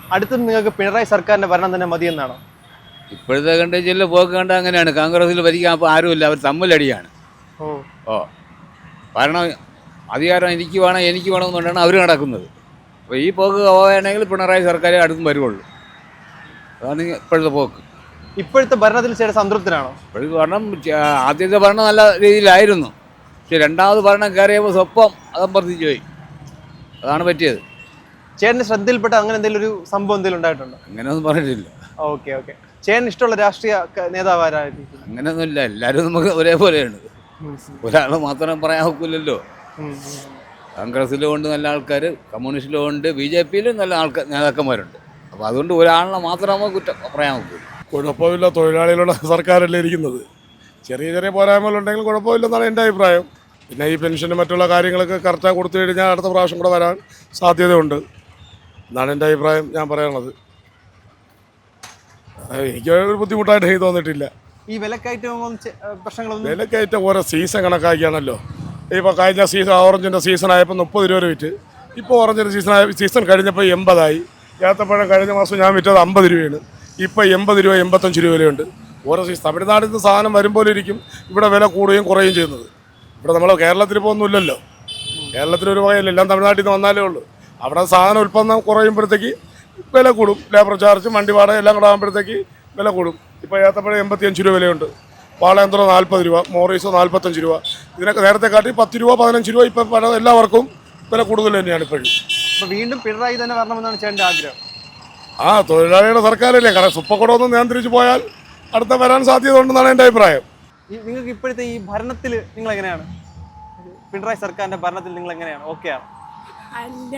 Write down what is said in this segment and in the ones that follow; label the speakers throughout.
Speaker 1: അടുത്ത് നിങ്ങൾക്ക് പിണറായി സർക്കാരിന്റെ ഭരണം തന്നെ മതിയെന്നാണോ?
Speaker 2: ഇപ്പോഴത്തെ കണ്ടേച്ചില്ല പോക്ക് കണ്ട അങ്ങനെയാണ്. കോൺഗ്രസിൽ ഭരിക്കാൻ അപ്പോൾ ആരുമില്ല, അവർ തമ്മിലടിയാണ്.
Speaker 1: ഓ
Speaker 2: ഓ ഭരണം അധികാരം എനിക്ക് വേണമെന്നുകൊണ്ടാണ് അവർ നടക്കുന്നത്. അപ്പോൾ ഈ പോക്ക് പോവുകയാണെങ്കിൽ പിണറായി സർക്കാർ അടുത്തും വരുവുള്ളൂ. അതാണ് ഇപ്പോഴത്തെ പോക്ക്.
Speaker 1: ഇപ്പോഴത്തെ ഭരണത്തിൽ ചേട്ടൻ സംതൃപ്തനാണോ?
Speaker 2: ഇപ്പോഴത്തെ ഭരണം ആദ്യത്തെ ഭരണം നല്ല രീതിയിലായിരുന്നു. പക്ഷെ രണ്ടാമത് ഭരണം കയറിയപ്പോൾ സ്വപ്പം അതമ്പർദ്ധിച്ചു പോയി. അതാണ് പറ്റിയത്.
Speaker 1: ചേട്ടന് ശ്രദ്ധയിൽപ്പെട്ട അങ്ങനെ എന്തെങ്കിലും ഒരു സംഭവം എന്തെങ്കിലും ഉണ്ടായിട്ടുണ്ടോ?
Speaker 2: അങ്ങനെയൊന്നും പറഞ്ഞിട്ടില്ല.
Speaker 1: Okay okay. ചേട്ടന് ഇഷ്ടമുള്ള രാഷ്ട്രീയ നേതാവ് ആരായിരിക്കും?
Speaker 2: അങ്ങനെയൊന്നുമില്ല, എല്ലാവരും നമുക്ക് ഒരേപോലെയാണ്. ഒരാൾ മാത്രം പറയാൻ ഒക്കില്ലല്ലോ. കോൺഗ്രസ്സിലും ഉണ്ട് നല്ല ആൾക്കാർ, കമ്മ്യൂണിസ്റ്റിലും ഉണ്ട്, BJPയിലും നല്ല നേതാക്കന്മാരുണ്ട്. അപ്പോൾ അതുകൊണ്ട് ഒരാളിനെ മാത്രം നമുക്ക് കുറ്റം പറയാൻ ഒക്കില്ല.
Speaker 3: കുഴപ്പമില്ല, തൊഴിലാളികളുടെ സർക്കാരല്ലേ ഇരിക്കുന്നത്. ചെറിയ ചെറിയ പോരായ്മകളുണ്ടെങ്കിൽ കുഴപ്പമില്ലെന്നാണ് എൻ്റെ അഭിപ്രായം. പിന്നെ ഈ പെൻഷന് മറ്റുള്ള കാര്യങ്ങളൊക്കെ കറക്റ്റായി കൊടുത്തു കഴിഞ്ഞാൽ അടുത്ത പ്രാവശ്യം കൂടെ വരാൻ സാധ്യതയുണ്ട് എന്നാണ് എൻ്റെ അഭിപ്രായം. ഞാൻ പറയണത് എനിക്ക് ഒരു ബുദ്ധിമുട്ടായിട്ട് എനിക്ക് തോന്നിയിട്ടില്ല.
Speaker 1: ഈ വിലക്കയറ്റവും പ്രശ്നങ്ങളൊന്നും
Speaker 3: വിലക്കയറ്റം ഓരോ സീസൺ കണക്കാക്കിയാണല്ലോ. ഇപ്പോൾ കഴിഞ്ഞ സീസൺ ഓറഞ്ചിൻ്റെ സീസൺ ആയപ്പോൾ 30 രൂപ വിറ്റ്. ഇപ്പോൾ ഓറഞ്ചിൻ്റെ സീസൺ കഴിഞ്ഞപ്പോൾ 80 ഏത്തപ്പഴം കഴിഞ്ഞ മാസം ഞാൻ വിറ്റത് 50 രൂപയാണ്. ഇപ്പോൾ 80 രൂപ 85 രൂപ വിലയുണ്ട്. ഓരോ സീസൺ തമിഴ്നാട്ടിൽ നിന്ന് സാധനം വരുമ്പോൾ ഇരിക്കും ഇവിടെ വില കൂടുകയും കുറയുകയും ചെയ്യുന്നത്. ഇവിടെ നമ്മൾ കേരളത്തിൽ ഇപ്പോൾ ഒന്നുമില്ലല്ലോ. കേരളത്തിലൊരു വകയില്ല, എല്ലാം തമിഴ്നാട്ടിൽ നിന്ന് വന്നാലേ ഉള്ളൂ. അവിടെ സാധനം ഉൽപ്പന്നം കുറയുമ്പോഴത്തേക്ക് വില കൂടും. ലേബർ ചാർജ്, വണ്ടി വാടക എല്ലാം കൂടെ ആകുമ്പോഴത്തേക്ക് വില കൂടും. ഇപ്പോൾ ഏത്തപ്പഴം 85 രൂപ വിലയുണ്ട്. വാളയന്ത്രം 40 രൂപ, മോറീസോ 45 രൂപ. ഇതിനൊക്കെ നേരത്തെ കാട്ടി 10 രൂപ 15 രൂപ ഇപ്പം എല്ലാവർക്കും വില കൂടുതൽ തന്നെയാണ് ഇപ്പോഴും.
Speaker 1: അപ്പോൾ വീണ്ടും പിണറായി തന്നെ വരണമെന്നാണ് ചേട്ടൻ്റെ ആഗ്രഹം?
Speaker 3: ആ തൊഴിലാളിയുടെ സർക്കാരല്ലേ, കാരണം സുപ്പക്കുടമൊന്നും നിയന്ത്രിച്ച് പോയാൽ അടുത്ത വരാൻ സാധ്യത ഉണ്ടെന്നാണ് എൻ്റെ അഭിപ്രായം.
Speaker 1: നിങ്ങൾക്ക് ഇപ്പോഴത്തെ ഈ ഭരണത്തിൽ നിങ്ങൾ എങ്ങനെയാണ്? പിണറായി സർക്കാരിന്റെ ഭരണത്തിൽ നിങ്ങൾ എങ്ങനെയാണ്? ഓക്കെ ആണ്?
Speaker 4: അല്ല,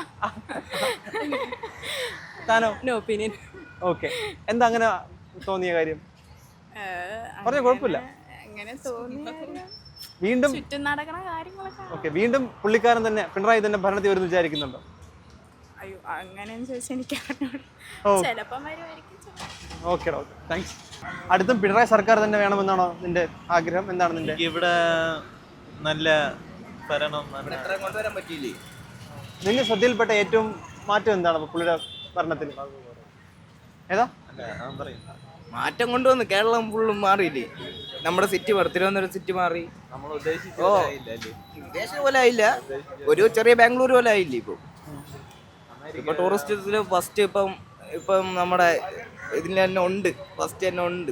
Speaker 1: താനോ?
Speaker 4: No opinion.
Speaker 1: ഓക്കെ. എന്താ അങ്ങനെ തോന്നിയ കാര്യം? പറഞ്ഞ കുഴപ്പമില്ല.
Speaker 4: അങ്ങനെ തോന്നി
Speaker 1: വീണ്ടും
Speaker 4: ചുറ്റും നടക്കണ കാര്യങ്ങളൊക്കെ.
Speaker 1: ഓക്കെ, വീണ്ടും പുള്ളിക്കാരൻ തന്നെ പിണറായി തന്നെ ഭരണത്തിൽ വരുന്നു വിചാരിക്കുന്നുണ്ടോ?
Speaker 4: അയ്യോ, അങ്ങനെയെന്ന് ചോദിച്ചാൽ എനിക്ക് ചിലപ്പം വരുമായിരിക്കും.
Speaker 1: Okay okay, thanks. അടുത്തും പിണറായി സർക്കാർ തന്നെ വേണമെന്നാണോ നിന്റെ ആഗ്രഹം? എന്താണ് നിന്റെ?
Speaker 5: ഇവിടെ നല്ല ഭരണം
Speaker 2: കൊണ്ടുവരാൻ പറ്റിയില്ലേ?
Speaker 1: നിന്റെ ശ്രദ്ധയിൽപ്പെട്ട ഏറ്റവും മാറ്റം എന്താണ് പുള്ളിയുടെ ഭരണത്തിൽ? ഏതാ
Speaker 6: മാറ്റം കൊണ്ടുവന്ന്? കേരളം ഫുള്ളും മാറിയില്ലേ? നമ്മുടെ സിറ്റി മാറി, തിരുവനന്തപുരം സിറ്റി മാറി.
Speaker 5: നമ്മൾ ഉദ്ദേശിച്ച
Speaker 6: ഉദ്ദേശിച്ച പോലെ ആയില്ല, ഒരു ചെറിയ ബാംഗ്ലൂർ പോലെ ആയില്ലേ. ഇപ്പൊ ടൂറിസ്റ്റ് ഫസ്റ്റ് ഇപ്പം നമ്മുടെ ഇതിൽ തന്നെ ഉണ്ട്, ഫസ്റ്റ് തന്നെ ഉണ്ട്.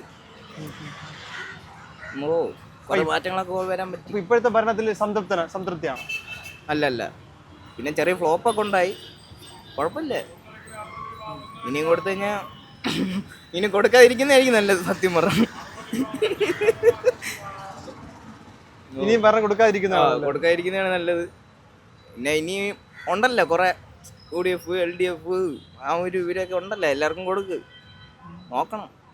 Speaker 6: കുറെ മാറ്റങ്ങളൊക്കെ വരാൻ പറ്റും.
Speaker 1: ഇപ്പോഴത്തെ ഭരണത്തിൽ സംതൃപ്തിയാണ്?
Speaker 6: അല്ല, പിന്നെ ചെറിയ ഫ്ലോപ്പൊക്കെ ഉണ്ടായി. കുഴപ്പമില്ല. ഇനിയും കൊടുത്തു കഴിഞ്ഞാൽ ഇനി കൊടുക്കാതിരിക്കുന്നതായിരിക്കും നല്ലത്, സത്യം പറഞ്ഞു.
Speaker 1: ഇനിയും ഭരണം
Speaker 6: കൊടുക്കാതിരിക്കുന്നതാണ് നല്ലത്. പിന്നെ ഇനി ഉണ്ടല്ലോ കുറെ UDF, LDF, ആ ഒരു ഇവരൊക്കെ ഉണ്ടല്ലോ, എല്ലാവർക്കും കൊടുക്ക്, നോക്കണം.